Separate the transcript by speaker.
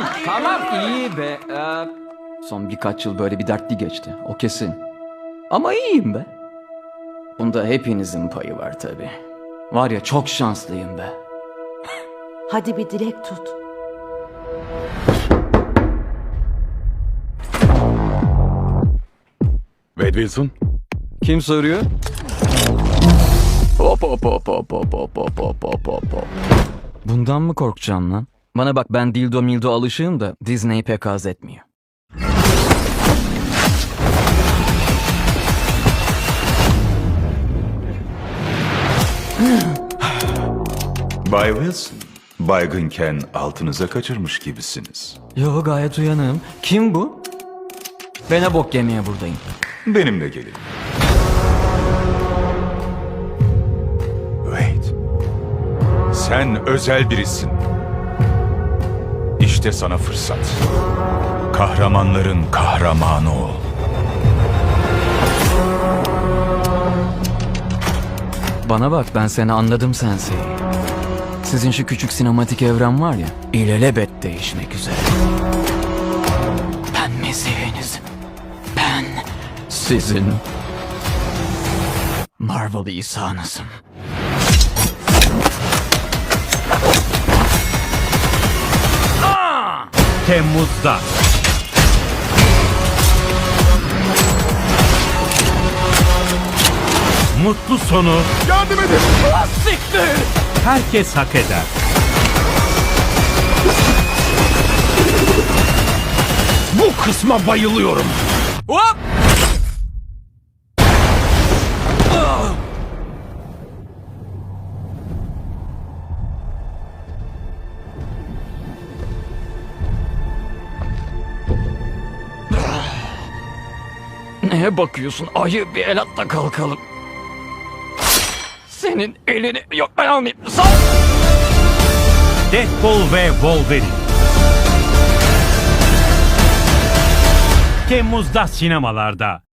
Speaker 1: Tamam iyi be. Son birkaç yıl böyle bir dertli geçti. O kesin. Ama iyiyim be. Bunda hepinizin payı var tabii. Var ya çok şanslıyım be.
Speaker 2: Hadi bir dilek tut.
Speaker 3: Wade Wilson,
Speaker 1: Kim soruyor? Hop hop hop hop hop hop hop hop hop hop hop. Bundan mı korkacaksın lan? Bana bak ben dildo mildo alışığım da Disney pek haz etmiyor.
Speaker 4: Bay Wilson, baygınken altınıza kaçırmış gibisiniz.
Speaker 1: Yo gayet uyanığım. Kim bu? Ben ne bok yemeye buradayım.
Speaker 4: Benimle gelin. Wade, sen özel birisin. İşte sana fırsat. Kahramanların kahramanı ol.
Speaker 1: Bana bak ben seni anladım Sensei. Sizin şu küçük sinematik evren var ya, ilelebet değişmek üzere. Ben mesihiniz. Ben sizin Marvel İsa'nızım.
Speaker 5: Temmuz'da. Mutlu sonu
Speaker 3: yardım edin!
Speaker 5: herkes hak eder.
Speaker 3: Bu kısma bayılıyorum.
Speaker 1: Hop! Neye bakıyorsun? Ayı bir el at da kalkalım. Senin elini... Yok ben almayayım. Sal!
Speaker 5: Deadpool ve Wolverine. Temmuz'da sinemalarda.